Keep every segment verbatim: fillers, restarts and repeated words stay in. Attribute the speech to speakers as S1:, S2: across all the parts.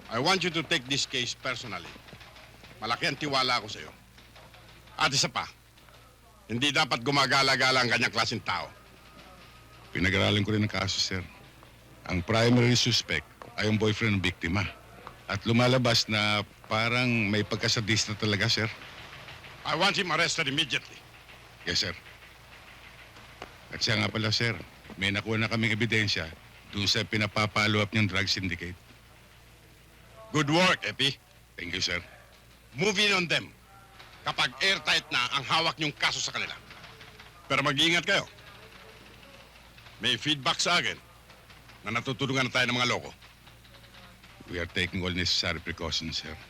S1: I want you to take this case personally. Malaki ang tiwala ko sa iyo. At isa pa, hindi dapat gumagala-gala ang ganyang klaseng tao.
S2: Pinag-aralan ko rin ang kaso, sir. Ang primary suspect ay ang boyfriend ng biktima. At lumalabas na parang may pagkasadista talaga, sir.
S1: I want him arrested immediately.
S2: Yes, sir. At siya nga pala, sir, may nakuha na kaming ebidensya doon sa pinapapalo up niyang drug syndicate.
S1: Good work, Epi.
S2: Thank you, sir.
S1: Move in on them kapag airtight na ang hawak niyong kaso sa kanila. Pero mag-iingat kayo. May feedback sa akin na natutulungan na tayo ng mga loko.
S2: We are taking all necessary precautions, sir.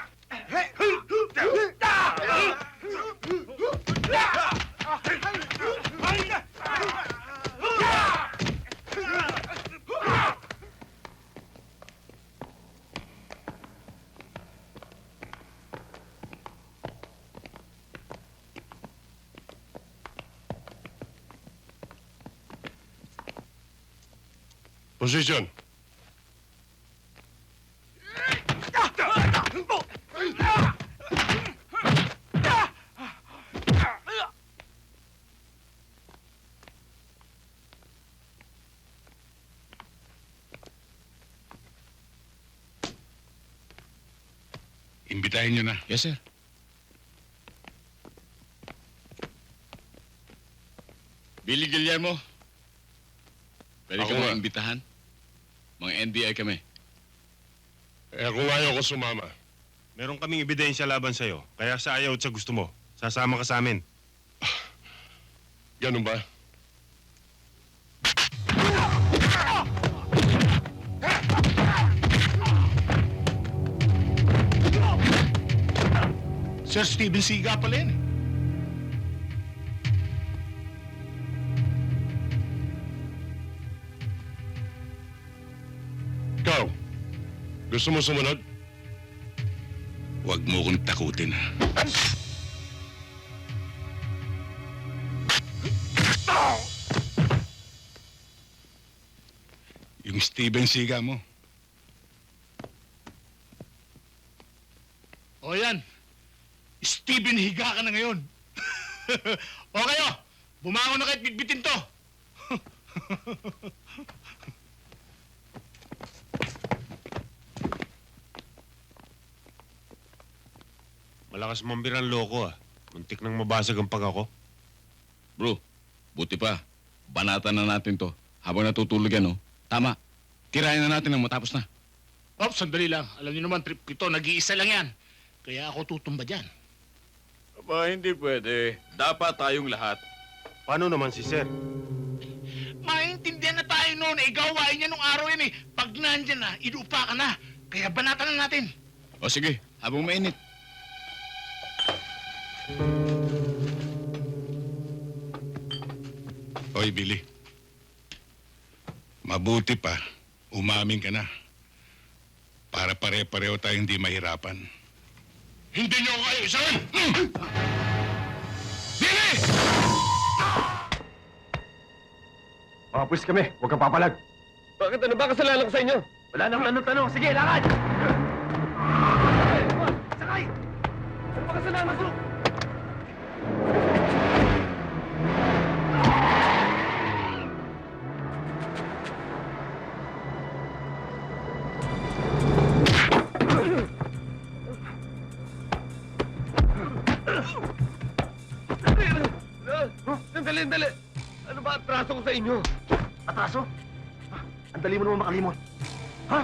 S3: Position.
S2: Imbitahin niyo na.
S4: Yes, sir. Billy Guillermo. Pwede
S3: Ako
S4: ka
S3: nga.
S4: mga imbitahan? Mga N B I kami.
S3: Eh kung ayaw ko sumama. Meron kaming ebidensya laban sa'yo. Kaya sa ayaw at sa gusto mo, sasama ka sa amin. Ganun ba?
S2: Sir Steven Siga pala yun.
S3: Ikaw, gusto mo sumunod?
S2: Huwag mo kong takutin, ha? Yung Steven Siga mo.
S5: O yan, Steven, higa ka na ngayon. O kayo, bumangon na kahit bitbitin to.
S3: Malakas mambirang loko ah. Muntik nang mabasag ang pag ako.
S4: Bro, buti pa. Banatan na natin to. Habang natutulog yan, oh. Tama. Tirayan na natin nang matapos na.
S5: Ops, sandali lang. Alam niyo naman, trip ko ito, nag-iisa lang yan. Kaya ako tutumba dyan.
S6: Aba, hindi pwede. Dapat tayong lahat.
S3: Paano naman si Sir?
S5: Maintindihan na tayo noon, eh, gawain niya nung araw yan eh. Pag nandyan na, inuupa ka na. Kaya banatan na natin.
S4: O sige, habang mainit.
S2: Hoy, Billy. Mabuti pa, umamin ka na. Para pare-pareho tayong hindi mahirapan.
S5: Hindi niyo ako kayo, isahin! Billy!
S7: Mga pulis kami, huwag kang papalag.
S6: Bakit ano ba kasalanan ko sa inyo?
S7: Wala nang tanong-tanong. Sige, lakad! Sakay!
S6: Ano ba kasalanan ko? Sandali, sandali. Ano ba atraso ko sa inyo?
S7: Atraso? Ha? Ang dali mo naman makalimot. Ha?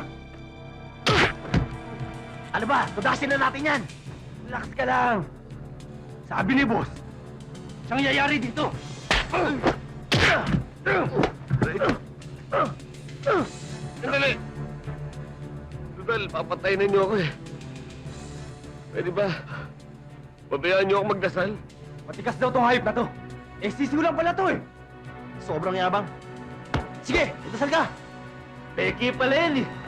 S7: Ano ba? Tudasin na natin yan. Relax ka lang. Sabi ni boss, siyang yayari dito.
S6: Sandali. Tudal, papatayin na niyo ako eh. Pwede ba? Babayaan niyo ako magdasal?
S7: Matikas daw tong hayop na to. Eh, sisiw lang pala to eh. Sobrang yabang. Sige, itasal ka.
S6: Peki pala yan eh.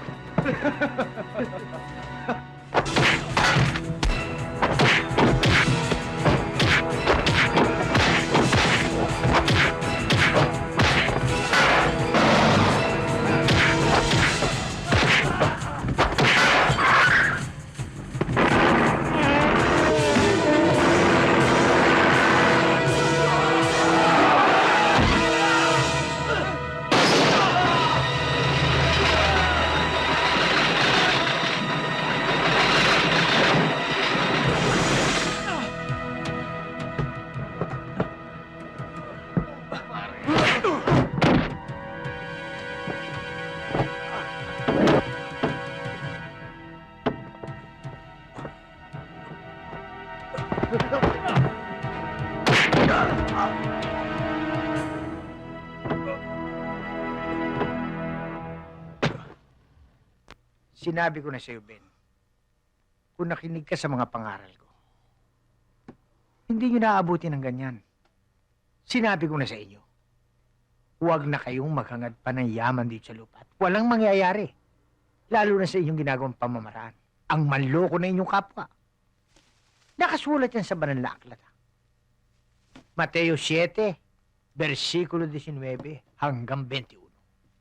S8: Sinabi ko na sa'yo, Ben, kung nakinig ka sa mga pangaral ko, hindi nyo naaabuti ng ganyan. Sinabi ko na sa inyo, huwag na kayong maghangad pa ng yaman dito sa lupa. At walang mangyayari. Lalo na sa inyong ginagawang pamamaraan. Ang manloko na inyong kapwa. Nakasulat yan sa banal na aklat. ha? Mateo seven, versikulo nineteen hanggang twenty-one.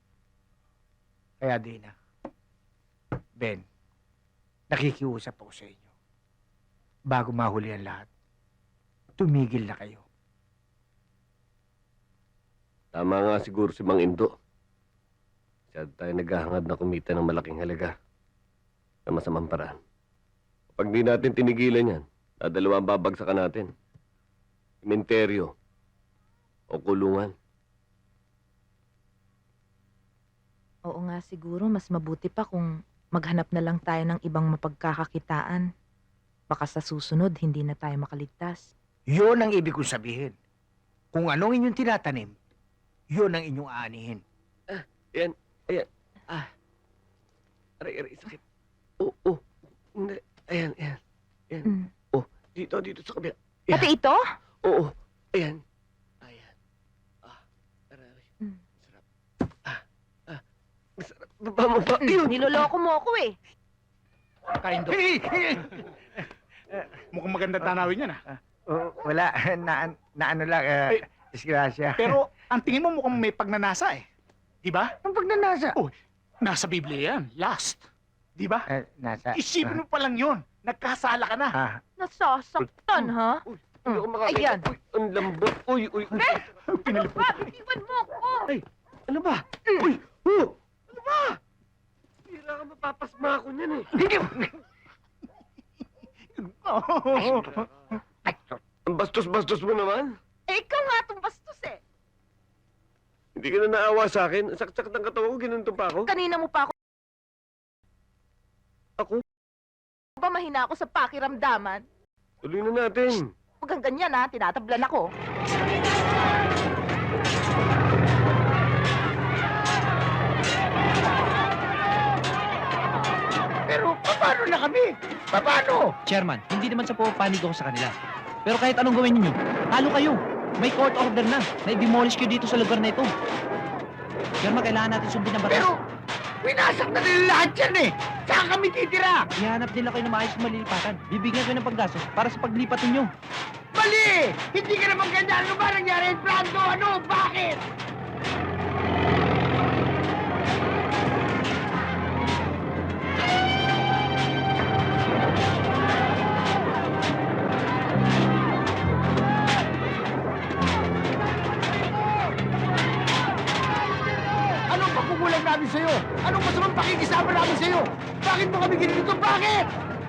S8: Kaya Dina, Ben, nakikiusap ako sa inyo. Bago mahuli ang lahat, tumigil na kayo.
S6: Tama nga siguro si Mang Indo. Masyado tayo naghahangad na kumita ng malaking halaga sa masamang paraan. Kapag di natin tinigilan yan, dadalawa ang babagsakan natin. Sementeryo o kulungan.
S9: Oo nga siguro, mas mabuti pa kung maghanap na lang tayo ng ibang mapagkakakitaan. Baka sa susunod, hindi na tayo makaligtas.
S8: Yun ang ibig kong sabihin. Kung anong inyong tinatanim, yun ang inyong aanihin.
S6: Ayan, ayan. Ah. Aray, aray, sakit. Oo, oh, oh. Hindi. Ayan, ayan. Ayan.
S9: Mm.
S6: Oh, dito, dito sa kabila.
S9: Pati ito?
S6: Oo, ayan. Ayan. Ah, aray, aray.
S9: Mm.
S6: Masarap. Ah, ah. Masarap. Baba mo ba? Ayun.
S9: Niloloko mo ako eh.
S8: Kaindo.
S5: Mukhang maganda tanawin yan, ah.
S8: Oh, wala. Na, na ano lang, uh,
S5: Ay.
S8: disgrasya.
S5: Pero ang tingin mo mukhang may pagnanasa eh. Di ba?
S8: Ang pagnanasa.
S5: Oh, nasa Biblia yan. Last. Di ba?
S8: Eh, nasa...
S5: Isipin mo pa lang yun. Nagkasala ka na.
S8: Ah,
S9: Nasasaktan, ha?
S6: Hindi ako makakita.
S9: Ayan.
S6: Uy, ang lambot. Uy, uy.
S5: Pinalipot.
S9: Ba, iwan mo ako!
S6: Ano ba? Uy! Oh! Ano ba? Hira ka mapapasma ako niyan eh. Ang bastos-bastos mo naman.
S9: Eh, ikaw nga itong bastos eh.
S6: Hindi ka na naawa sa akin. Ang saksak ng katawan ko, ginunto pa ako.
S9: Kanina mo pa ako.
S6: Ako?
S9: Ba mahina ako sa pakiramdaman?
S6: Tuloy na natin.
S9: Huwag kang ganyan ha, tinatablan ako.
S8: pero paano na kami? Paano?
S10: Chairman, hindi naman sa pumapanig ako sa kanila. Pero kahit anong gawin ninyo, talo kayo. May court order na. Na-demolish kayo dito sa lugar na ito. Chairman, kailangan natin sundin ang batas.
S8: Pero, winasak na nila lahat yan eh. Saan kami titira?
S10: Ihanap nila kayo na maayos na malilipatan. Bibigyan kayo ng paggastos para sa paglipat ninyo.
S8: Mali! Hindi ka naman ganyan. Ano ba nangyari? Brando, ano? Bakit? Anong pagkukulang namin sa'yo? Anong masamang pakikisama namin sa'yo? Bakit mo kami ginito? Bakit?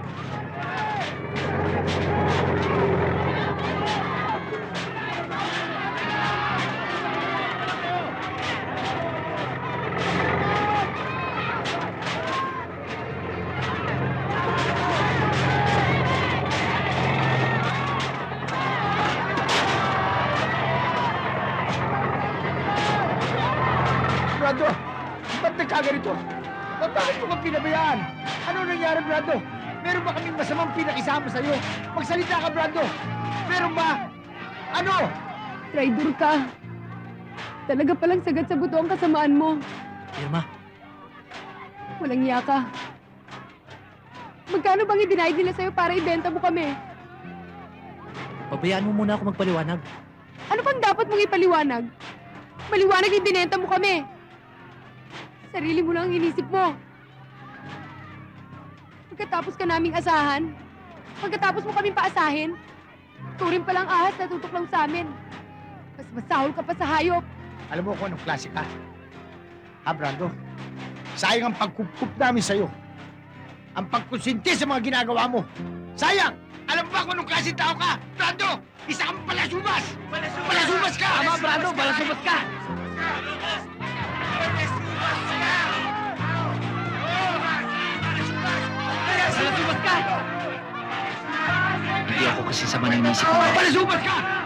S8: Brando, ba't nagkaganito? Ba't bakit mo kang pinabayaan? Ano nangyari, Brando? Meron ba kaming masamang pinakisama sa'yo? Magsalita ka, Brando! Meron ba? Ano?
S11: Traitor ka. Talaga palang sagat sa buto ang kasamaan mo.
S10: Irma,
S11: Walang iya ka. Magkano bang i-deny nila sa'yo para ibenta mo kami?
S10: pabayaan mo muna ako magpaliwanag.
S11: Ano pang dapat mong ipaliwanag? Maliwanag yung binenta mo kami. Sarili mo lang ang inisip mo. Pagkatapos ka naming asahan, pagkatapos mo kaming paasahin, turing palang ahas na tutok lang sa amin. Mas masahol ka pa sa hayop.
S8: Alam mo kung anong klase ka? Ha, Brando? Sayang ang pagkukup namin sa'yo. Ang pagkonsinti sa mga ginagawa mo. Sayang! Alam mo ba kung anong klase tao ka? Brando! Isa kang palasubas! Palasubas ka! Tama, Brando! Palasubas ka! Palasubas ka!
S10: Hindi ako kasi sama ng inisip mo.
S8: Palasubas ka!